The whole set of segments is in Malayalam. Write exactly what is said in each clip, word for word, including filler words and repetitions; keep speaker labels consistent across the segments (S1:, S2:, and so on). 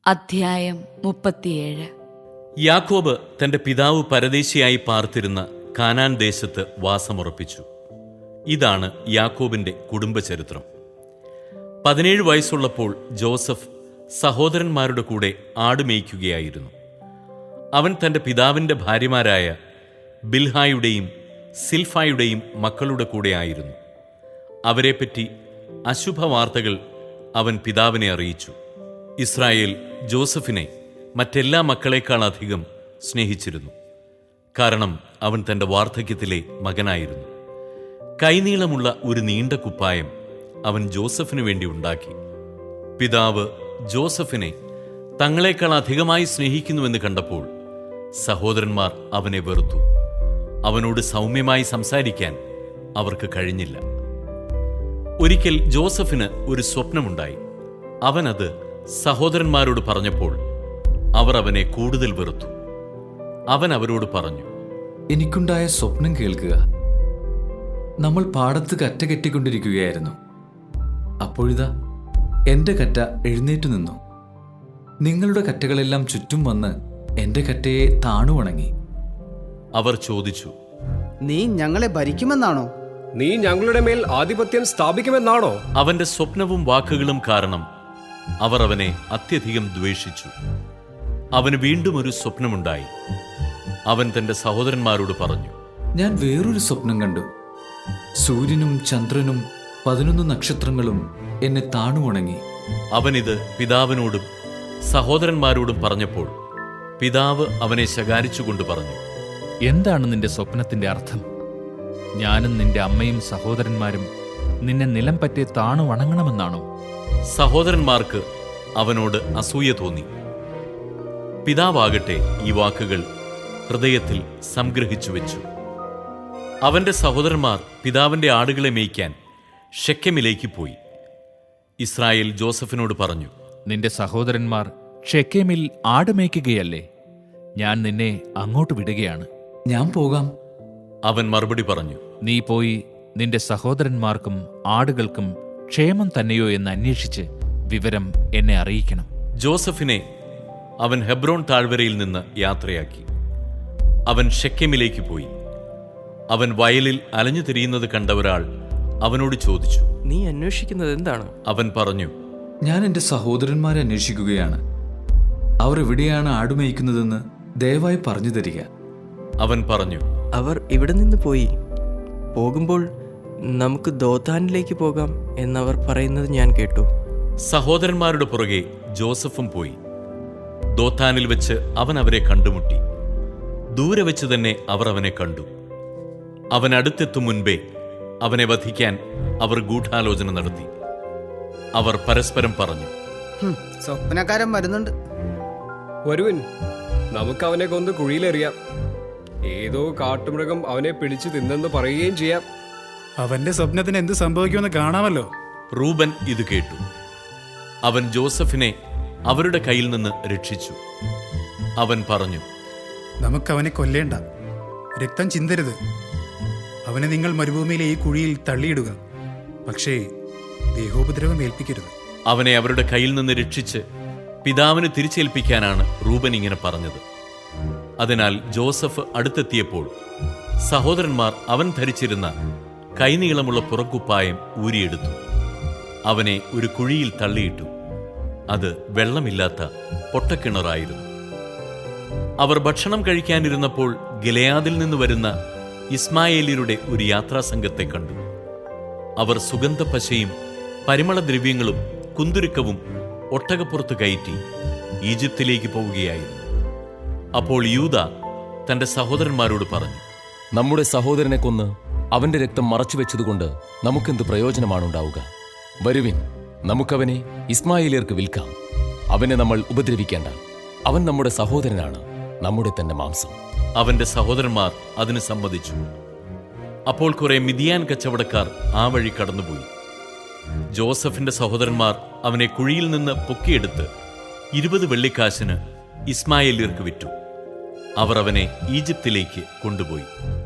S1: അധ്യായം മുപ്പത്തിയേഴ്.
S2: യാക്കോബ് തന്റെ പിതാവ് പരദേശിയായി പാർത്തിരുന്ന കാനാൻ ദേശത്ത് വാസമുറപ്പിച്ചു. ഇതാണ് യാക്കോബിന്റെ കുടുംബചരിത്രം. പതിനേഴ് വയസ്സുള്ളപ്പോൾ ജോസഫ് സഹോദരന്മാരുടെ കൂടെ ആടുമേയ്ക്കുകയായിരുന്നു. അവൻ തന്റെ പിതാവിന്റെ ഭാര്യമാരായ ബിൽഹായുടെയും സിൽഫായുടെയും മക്കളുടെ കൂടെ ആയിരുന്നു. അവരെപ്പറ്റി അശുഭവാർത്തകൾ അവൻ പിതാവിനെ അറിയിച്ചു. ഇസ്രായേൽ ജോസഫിനെ മറ്റെല്ലാ മക്കളെക്കാളധികം സ്നേഹിച്ചിരുന്നു. കാരണം അവൻ തന്റെ വാർദ്ധക്യത്തിലെ മകനായിരുന്നു. കൈനീളമുള്ള ഒരു നീണ്ട കുപ്പായം അവൻ ജോസഫിനു വേണ്ടി ഉണ്ടാക്കി. പിതാവ് ജോസഫിനെ തങ്ങളെക്കാൾ അധികമായി സ്നേഹിക്കുന്നുവെന്ന് കണ്ടപ്പോൾ സഹോദരന്മാർ അവനെ വെറുത്തു. അവനോട് സൗമ്യമായി സംസാരിക്കാൻ അവർക്ക് കഴിഞ്ഞില്ല. ഒരിക്കൽ ജോസഫിന് ഒരു സ്വപ്നമുണ്ടായി. അവനത് സഹോദരന്മാരോട് പറഞ്ഞപ്പോൾ അവർ അവനെ കൂടുതൽ വെറുത്തു. അവൻ അവരോട് പറഞ്ഞു,
S3: എനിക്കുണ്ടായ സ്വപ്നം കേൾക്കുക. നമ്മൾ പാടത്ത് കറ്റ കെട്ടിക്കൊണ്ടിരിക്കുകയായിരുന്നു. അപ്പോഴിതാ എന്റെ കറ്റ എഴുന്നേറ്റു നിന്നു. നിങ്ങളുടെ കറ്റകളെല്ലാം ചുറ്റും വന്ന് എന്റെ കറ്റയെ താണുവണങ്ങി.
S2: അവർ ചോദിച്ചു,
S4: നീ ഞങ്ങളെ ഭരിക്കുമെന്നാണോ?
S5: നീ ഞങ്ങളുടെ മേൽ ആധിപത്യം സ്ഥാപിക്കുമെന്നാണോ?
S2: അവന്റെ സ്വപ്നവും വാക്കുകളും കാരണം അവർ അവനെ അത്യധികം ദ്വേഷിച്ചു. അവന് വീണ്ടും ഒരു സ്വപ്നമുണ്ടായി. അവൻ തന്റെ സഹോദരന്മാരോട് പറഞ്ഞു,
S3: ഞാൻ വേറൊരു സ്വപ്നം കണ്ടു. സൂര്യനും ചന്ദ്രനും പതിനൊന്ന് നക്ഷത്രങ്ങളും എന്നെ താണുവണങ്ങി.
S2: അവനിത് പിതാവിനോടും സഹോദരന്മാരോടും പറഞ്ഞപ്പോൾ പിതാവ് അവനെ ശകാരിച്ചുകൊണ്ട് പറഞ്ഞു,
S6: എന്താണ് നിന്റെ സ്വപ്നത്തിന്റെ അർത്ഥം? ഞാനും നിന്റെ അമ്മയും സഹോദരന്മാരും നിന്നെ നിലം പറ്റി താണു വണങ്ങണമെന്നാണോ?
S2: സഹോദരന്മാർക്ക് അവനോട് അസൂയ തോന്നി. പിതാവാകട്ടെ ഈ വാക്കുകൾ ഹൃദയത്തിൽ സംഗ്രഹിച്ചു വെച്ചു. അവന്റെ സഹോദരന്മാർ പിതാവിന്റെ ആടുകളെ മേയ്ക്കാൻ ഷെക്കെമിലേക്ക് പോയി. ഇസ്രായേൽ ജോസഫിനോട് പറഞ്ഞു,
S6: നിന്റെ സഹോദരന്മാർ ഷെക്കേമിൽ ആടുമേയ്ക്കുകയല്ലേ? ഞാൻ നിന്നെ അങ്ങോട്ട് വിടുകയാണ്.
S3: ഞാൻ പോകാം.
S2: അവൻ മറുപടി പറഞ്ഞു,
S6: നീ പോയി നിന്റെ സഹോദരന്മാർക്കും ആടുകൾക്കും ക്ഷേമം തന്നെയോ എന്ന് അന്വേഷിച്ച് വിവരം എന്നെ അറിയിക്കണം.
S2: ജോസഫിനെ അവൻ ഹെബ്രോൺ താഴ്വരയിൽ നിന്ന് യാത്രയാക്കി. അവൻ ഷെക്കെമിലേക്ക് പോയി. അവൻ വയലിൽ അലഞ്ഞു തിരിയുന്നത് കണ്ട ഒരാൾ അവനോട് ചോദിച്ചു,
S7: നീ അന്വേഷിക്കുന്നത് എന്താണ്?
S2: അവൻ പറഞ്ഞു,
S3: ഞാൻ എൻ്റെ സഹോദരന്മാരെ അന്വേഷിക്കുകയാണ്. അവർ എവിടെയാണ് ആടുമേയ്ക്കുന്നതെന്ന് ദയവായി പറഞ്ഞു തരിക.
S2: അവൻ പറഞ്ഞു,
S7: അവർ ഇവിടെ നിന്ന് പോയി. പോകുമ്പോൾ നമുക്ക് ദോതാനിലേക്ക് പോകാം എന്നവർ പറയുന്നത് ഞാൻ കേട്ടു.
S2: സഹോദരന്മാരുടെ പുറകെ ജോസഫും പോയി. ദോത്താനിൽ വെച്ച് അവൻ അവരെ കണ്ടുമുട്ടി. ദൂരെ വെച്ച് തന്നെ അവർ അവനെ കണ്ടു. അവൻ അടുത്തെത്തും മുൻപേ അവനെ വധിക്കാൻ അവർ ഗൂഢാലോചന നടത്തി. അവർ പരസ്പരം പറഞ്ഞു,
S4: സ്വപ്നക്കാരൻ വരുന്നുണ്ട്.
S5: വരുവിൻ, നമുക്ക് അവനെ കൊന്ന് കുഴിയിലെറിയാം. ഏതോ കാട്ടുമൃഗം അവനെ പിടിച്ചു തിന്നെന്ന് പറയുകയും ചെയ്യാം.
S8: അവന്റെ സ്വപ്നത്തിന് എന്ത് സംഭവിക്കുമെന്ന് കാണാമല്ലോ.
S2: റൂബൻ ഇത് കേട്ടു. അവൻ ജോസഫിനെ അവരുടെ കയ്യിൽ നിന്ന് രക്ഷിച്ചു. അവൻ പറഞ്ഞു,
S8: നമുക്കവനെ കൊല്ലേണ്ട, രക്തം ചിന്തരുത്. അവനെ നിങ്ങൾ മരുഭൂമിയിലെ ഈ കുഴിയിൽ തള്ളിയിടുക. പക്ഷേ ദേഹോപദ്രവം ഏൽപ്പിക്കരുത്.
S2: അവനെ അവരുടെ കയ്യിൽ നിന്ന് രക്ഷിച്ച് പിതാവിന് തിരിച്ചേൽപ്പിക്കാനാണ് റൂബൻ ഇങ്ങനെ പറഞ്ഞത്. അതിനാൽ ജോസഫ് അടുത്തെത്തിയപ്പോൾ സഹോദരന്മാർ അവൻ ധരിച്ചിരുന്ന കൈനീളമുള്ള പുറക്കുപ്പായം ഊരിയെടുത്തു. അവനെ ഒരു കുഴിയിൽ തള്ളിയിട്ടു. അത് വെള്ളമില്ലാത്ത പൊട്ടക്കിണറായിരുന്നു. അവർ ഭക്ഷണം കഴിക്കാനിരുന്നപ്പോൾ ഗിലെയാദിൽ നിന്ന് വരുന്ന ഇസ്മായേലിയരുടെ ഒരു യാത്രാസംഘത്തെ കണ്ടു. അവർ സുഗന്ധപ്പശയും പരിമളദ്രവ്യങ്ങളും കുന്തുരുക്കവും ഒട്ടകപ്പുറത്ത് കയറ്റി ഈജിപ്തിലേക്ക് പോവുകയായിരുന്നു. അപ്പോൾ യൂദ തന്റെ സഹോദരന്മാരോട് പറഞ്ഞു,
S9: നമ്മുടെ സഹോദരനെ കൊന്ന് അവന്റെ രക്തം മറച്ചുവെച്ചതുകൊണ്ട് നമുക്കെന്ത് പ്രയോജനമാണുണ്ടാവുക? വരുവിൻ, നമുക്കവനെ ഇസ്മായേലിയർക്ക് വിൽക്കാം. അവനെ നമ്മൾ ഉപദ്രവിക്കേണ്ട. അവൻ നമ്മുടെ സഹോദരനാണ്, നമ്മുടെ തന്നെ മാംസം.
S2: അവന്റെ സഹോദരന്മാർ അതിന് സമ്മതിച്ചു. അപ്പോൾ കുറെ മിദിയാൻ കച്ചവടക്കാർ ആ വഴി കടന്നുപോയി. ജോസഫിന്റെ സഹോദരന്മാർ അവനെ കുഴിയിൽ നിന്ന് പൊക്കിയെടുത്ത് ഇരുപത് വെള്ളിക്കാശിന് ഇസ്മായേലിയർക്ക് വിറ്റു. അവർ അവനെ ഈജിപ്തിലേക്ക് കൊണ്ടുപോയി.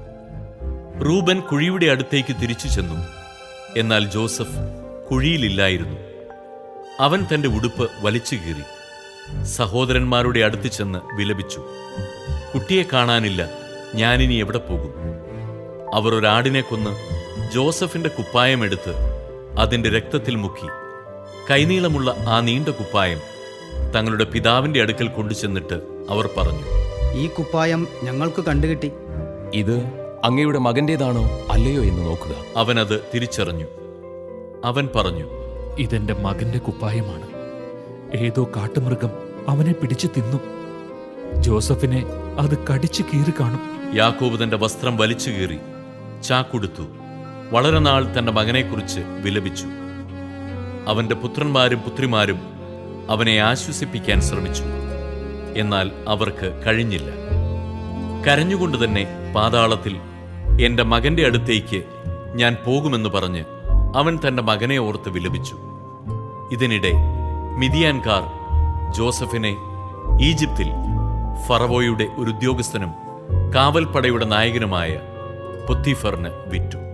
S2: റൂബൻ കുഴിയുടെ അടുത്തേക്ക് തിരിച്ചു ചെന്നു. എന്നാൽ ജോസഫ് കുഴിയിലില്ലായിരുന്നു. അവൻ തന്റെ ഉടുപ്പ് വലിച്ചു കീറി സഹോദരന്മാരുടെ അടുത്ത് ചെന്ന് വിലപിച്ചു, കുട്ടിയെ കാണാനില്ല, ഞാനിനി എവിടെ പോകും? അവർ ഒരാടിനെ കൊന്ന് ജോസഫിന്റെ കുപ്പായമെടുത്ത് അതിന്റെ രക്തത്തിൽ മുക്കി കൈനീളമുള്ള ആ നീണ്ട കുപ്പായം തങ്ങളുടെ പിതാവിന്റെ അടുക്കൽ കൊണ്ടുചെന്നിട്ട് അവർ പറഞ്ഞു,
S4: ഈ കുപ്പായം ഞങ്ങൾക്ക് കണ്ടുകിട്ടി.
S9: ഇത് അങ്ങയുടെ മകന്റേതാണോ അല്ലയോ എന്ന് നോക്കുക.
S2: അവനത് തിരിച്ചറിഞ്ഞു. അവൻ പറഞ്ഞു,
S6: ഇതെന്റെ മകന്റെ കുപ്പായമാണ്. ഏതോ കാട്ടുമൃഗം അവനെ പിടിച്ചു തിന്നു. ജോസഫിനെ അത് കടിച്ചു കീറി കാണും.
S2: യാക്കോബ് തന്റെ വസ്ത്രം വലിച്ചു കീറി ചാക്കുടുത്തു. വളരെ നാൾ തന്റെ മകനെക്കുറിച്ച് വിലപിച്ചു. അവന്റെ പുത്രന്മാരും പുത്രിമാരും അവനെ ആശ്വസിപ്പിക്കാൻ ശ്രമിച്ചു, എന്നാൽ അവർക്ക് കഴിഞ്ഞില്ല. കരഞ്ഞുകൊണ്ട് തന്നെ പാതാളത്തിൽ എന്റെ മകന്റെ അടുത്തേക്ക് ഞാൻ പോകുമെന്ന് പറഞ്ഞ് അവൻ തന്റെ മകനെ ഓർത്ത് വിലപിച്ചു. ഇതിനിടെ മിദിയാൻകാർ ജോസഫിനെ ഈജിപ്തിൽ ഫറവോയുടെ ഒരു ഉദ്യോഗസ്ഥനും കാവൽപ്പടയുടെ നായകനുമായ പൊത്തീഫറിന് വിറ്റു.